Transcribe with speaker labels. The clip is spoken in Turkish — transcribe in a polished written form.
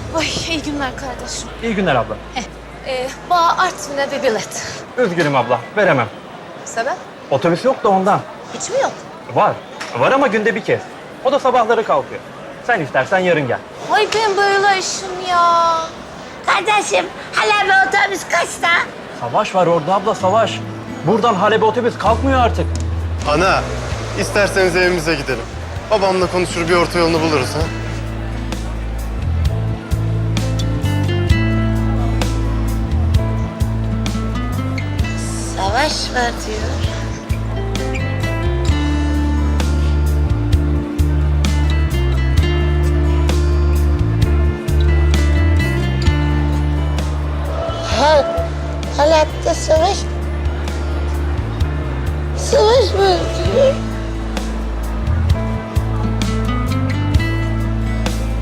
Speaker 1: Ay iyi günler kardeşim.
Speaker 2: İyi günler abla.
Speaker 1: Bana Artvin'e bir bilet.
Speaker 2: Üzgünüm abla, veremem.
Speaker 1: Sebep?
Speaker 2: Otobüs yok da ondan.
Speaker 1: Hiç mi yok?
Speaker 2: Var. Var ama günde bir kez. O da sabahları kalkıyor. Sen istersen yarın gel.
Speaker 1: Ay ben böyle işim ya.
Speaker 3: Kardeşim, hala bir otobüs kaçta?
Speaker 2: Savaş var orada abla, savaş. Buradan Halep'e otobüs kalkmıyor artık.
Speaker 4: Ana, isterseniz evimize gidelim. Babamla konuşur bir orta yolunu buluruz ha.
Speaker 3: Savaş var diyor. Halep'te savaş